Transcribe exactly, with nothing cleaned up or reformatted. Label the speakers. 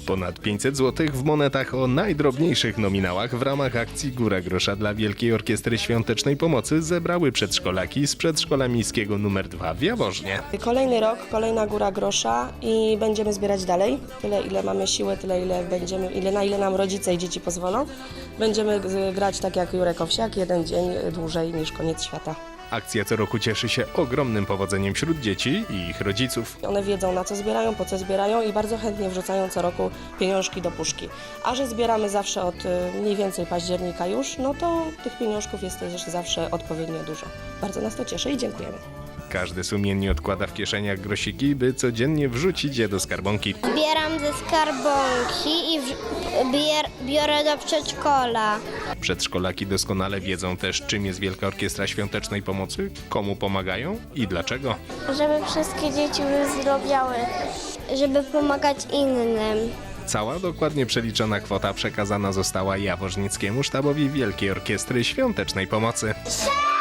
Speaker 1: Ponad pięćset złotych w monetach o najdrobniejszych nominałach w ramach akcji Góra Grosza dla Wielkiej Orkiestry Świątecznej Pomocy zebrały przedszkolaki z przedszkola miejskiego numer dwa w Jaworznie.
Speaker 2: Kolejny rok, kolejna Góra Grosza i będziemy zbierać dalej. Tyle, ile mamy siły, tyle, ile będziemy, ile, na ile nam rodzice i dzieci pozwolą. Będziemy grać tak jak Jurek Owsiak, jeden dzień dłużej niż koniec świata.
Speaker 1: Akcja co roku cieszy się ogromnym powodzeniem wśród dzieci i ich rodziców.
Speaker 2: One wiedzą, na co zbierają, po co zbierają i bardzo chętnie wrzucają co roku pieniążki do puszki. A że zbieramy zawsze od mniej więcej października już, no to tych pieniążków jest też zawsze odpowiednio dużo. Bardzo nas to cieszy i dziękujemy.
Speaker 1: Każdy sumiennie odkłada w kieszeniach grosiki, by codziennie wrzucić je do skarbonki.
Speaker 3: Zbieram ze skarbonki i bier, biorę do przedszkola.
Speaker 1: Przedszkolaki doskonale wiedzą też, czym jest Wielka Orkiestra Świątecznej Pomocy, komu pomagają i dlaczego.
Speaker 3: Żeby wszystkie dzieci wyzdrowiały, żeby pomagać innym.
Speaker 1: Cała dokładnie przeliczona kwota przekazana została jaworznickiemu sztabowi Wielkiej Orkiestry Świątecznej Pomocy.